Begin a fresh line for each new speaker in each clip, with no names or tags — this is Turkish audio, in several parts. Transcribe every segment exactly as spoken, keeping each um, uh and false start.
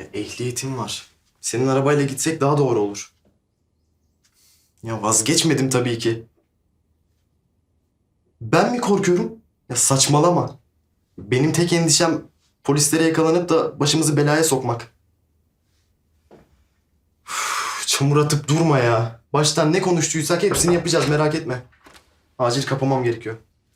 Ya, ehliyetim var. Senin arabayla gitsek daha doğru olur. Ya vazgeçmedim tabii ki. Ben mi korkuyorum? Ya saçmalama. Benim tek endişem polislere yakalanıp da başımızı belaya sokmak. Üf, çamur atıp durma ya. Baştan ne konuştuysak hepsini yapacağız, merak etme. Acil kapamam gerekiyor.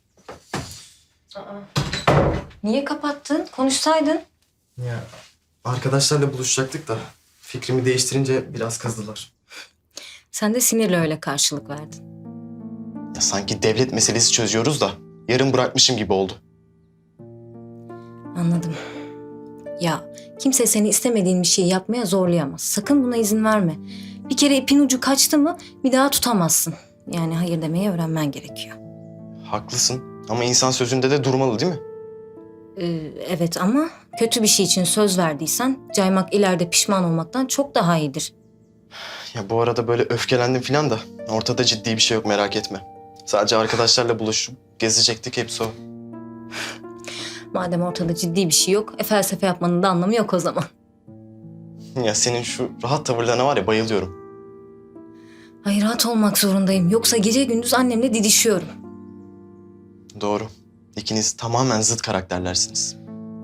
Niye kapattın? Konuşsaydın.
Ya arkadaşlarla buluşacaktık da fikrimi değiştirince biraz kızdılar.
Sen de sinirle öyle karşılık verdin.
Ya sanki devlet meselesi çözüyoruz da yarım bırakmışım gibi oldu.
Anladım. Ya kimse seni istemediğin bir şeyi yapmaya zorlayamaz. Sakın buna izin verme. Bir kere ipin ucu kaçtı mı bir daha tutamazsın. Yani hayır demeyi öğrenmen gerekiyor.
Haklısın ama insan sözünde de durmalı değil mi?
Ee, evet ama kötü bir şey için söz verdiysen caymak ileride pişman olmaktan çok daha iyidir.
Ya bu arada böyle öfkelendim falan da ortada ciddi bir şey yok, merak etme. Sadece arkadaşlarla buluşup gezecektik, hepsi o.
Madem ortada ciddi bir şey yok, e, felsefe yapmanın da anlamı yok o zaman.
Ya senin şu rahat tavırlarına var ya, bayılıyorum.
Ay rahat olmak zorundayım. Yoksa gece gündüz annemle didişiyorum.
Doğru. İkiniz tamamen zıt karakterlersiniz.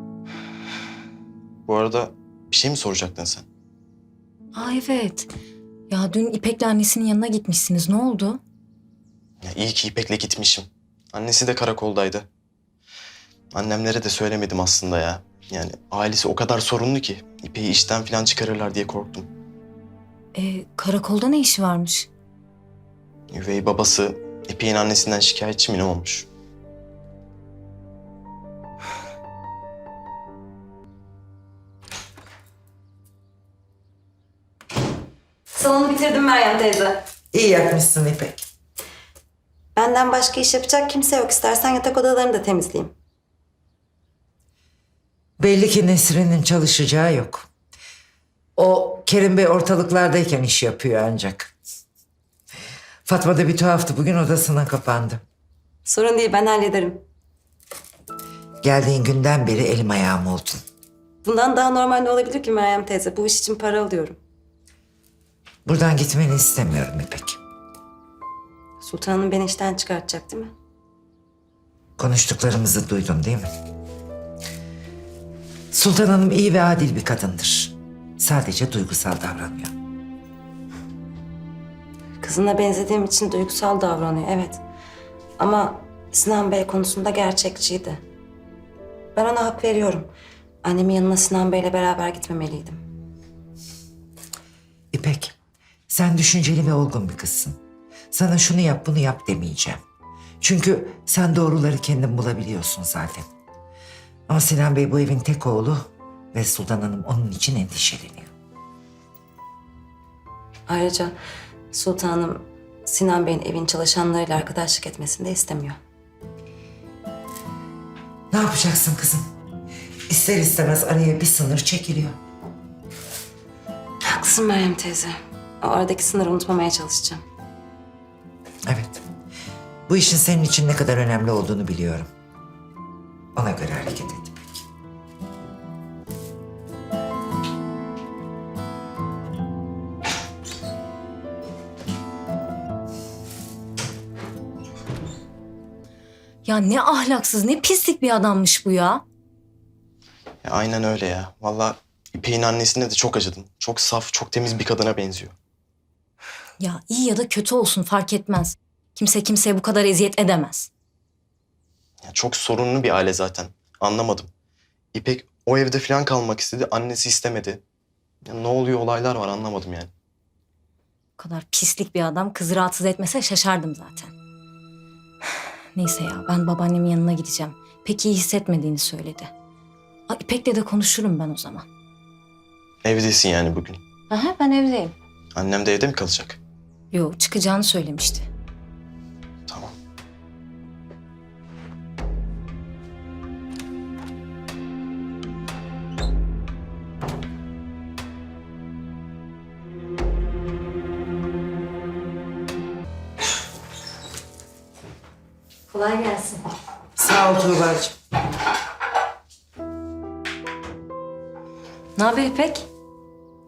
Bu arada bir şey mi soracaktın sen?
Aa evet. Ya dün İpek'le annesinin yanına gitmişsiniz. Ne oldu?
Ya iyi ki İpek'le gitmişim. Annesi de karakoldaydı. Annemlere de söylemedim aslında ya. Yani ailesi o kadar sorunlu ki İpek'i işten falan çıkarırlar diye korktum.
Ee, karakolda ne işi varmış?
Üvey babası İpek'in annesinden şikayetçi mi ne olmuş?
Salonu bitirdim Meryem teyze.
İyi yapmışsın İpek.
Benden başka iş yapacak kimse yok. İstersen yatak odalarını da temizleyeyim.
Belli ki Nesrin'in çalışacağı yok. O Kerim Bey ortalıklardayken iş yapıyor ancak. Fatma da bir tuhaftı. Bugün odasına kapandı.
Sorun değil, ben hallederim.
Geldiğin günden beri elim ayağım oldun.
Bundan daha normal ne olabilir ki Meryem teyze? Bu iş için para alıyorum.
Buradan gitmeni istemiyorum İpek.
Sultan Hanım beni işten çıkartacak değil mi?
Konuştuklarımızı duydun değil mi? Sultan Hanım iyi ve adil bir kadındır. Sadece duygusal davranıyor.
Kızına benzediğim için duygusal davranıyor, evet. Ama Sinan Bey konusunda gerçekçiydi. Ben ona hak veriyorum. Annemin yanına Sinan Bey'le beraber gitmemeliydim.
İpek, sen düşünceli ve olgun bir kızsın. Sana şunu yap, bunu yap demeyeceğim. Çünkü sen doğruları kendin bulabiliyorsun zaten. Ama Sinan Bey bu evin tek oğlu ve Sultan Hanım onun için endişeleniyor.
Ayrıca Sultan Hanım Sinan Bey'in evin çalışanlarıyla arkadaşlık etmesini de istemiyor.
Ne yapacaksın kızım? İster istemez araya bir sınır çekiliyor.
Haklısın Meryem teyze. O aradaki sınırı unutmamaya çalışacağım.
Evet. Bu işin senin için ne kadar önemli olduğunu biliyorum. Ona göre hareket et İpek.
Ya ne ahlaksız, ne pislik bir adammış bu ya.
Ya aynen öyle ya. Vallahi İpek'in annesine de çok acıdım. Çok saf, çok temiz bir kadına benziyor.
Ya iyi ya da kötü olsun fark etmez. Kimse kimseye bu kadar eziyet edemez.
Ya çok sorunlu bir aile zaten. Anlamadım. İpek o evde falan kalmak istedi. Annesi istemedi. Ya ne oluyor, olaylar var, anlamadım yani.
Bu kadar pislik bir adam kızı rahatsız etmese şaşardım zaten. Neyse ya ben babaannemin yanına gideceğim. Pek iyi hissetmediğini söyledi. Aa, İpek'le de konuşurum ben o zaman.
Evdesin yani bugün.
Aha ben evdeyim.
Annem de evde mi kalacak?
Yo çıkacağını söylemişti.
Tamam.
Kolay gelsin.
Sağ ol Tuğba'cığım.
Ne haber İpek?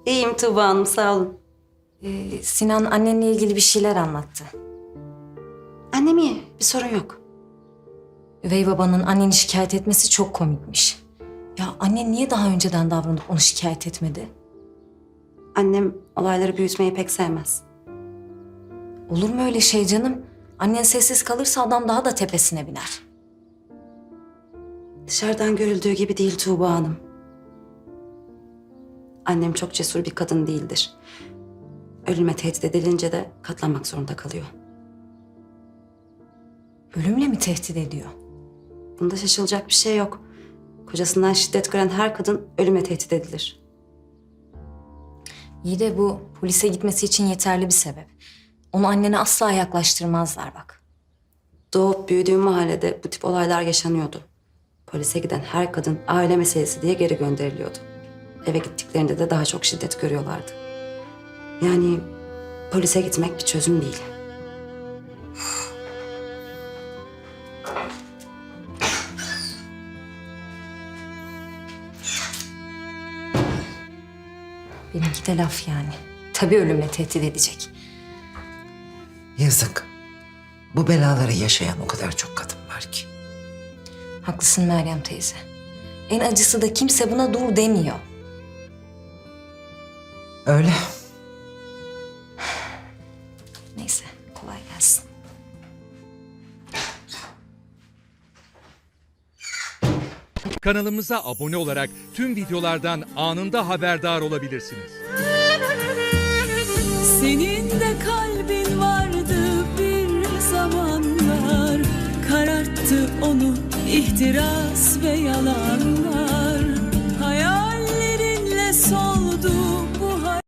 İyiyim Tuğba Hanım, sağ olun.
Ee, Sinan annenle ilgili bir şeyler anlattı.
Annem iyi, bir sorun yok.
Üvey babanın anneni şikayet etmesi çok komikmiş. Ya annen niye daha önceden davranıp onu şikayet etmedi?
Annem olayları büyütmeyi pek sevmez.
Olur mu öyle şey canım? Annen sessiz kalırsa adam daha da tepesine biner.
Dışarıdan görüldüğü gibi değil Tuğba Hanım. Annem çok cesur bir kadın değildir. Ölüme tehdit edilince de katlanmak zorunda kalıyor.
Ölümle mi tehdit ediyor?
Bunda şaşılacak bir şey yok. Kocasından şiddet gören her kadın ölüme tehdit edilir.
İyi de bu polise gitmesi için yeterli bir sebep. Onu annene asla yaklaştırmazlar bak.
Doğup büyüdüğüm mahallede bu tip olaylar yaşanıyordu. Polise giden her kadın aile meselesi diye geri gönderiliyordu. Eve gittiklerinde de daha çok şiddet görüyorlardı. Yani polise gitmek bir çözüm değil.
Benimki de laf yani. Tabii ölümle tehdit edecek.
Yazık. Bu belaları yaşayan o kadar çok kadın var ki.
Haklısın Meryem teyze. En acısı da kimse buna dur demiyor.
Öyle.
Neyse kolay gelsin.
Kanalımıza abone olarak tüm videolardan anında haberdar olabilirsiniz.
Senin de kalbin vardı bir zamanlar, kararttı onu ihtiras ve yalanlar. Hayallerinle soldu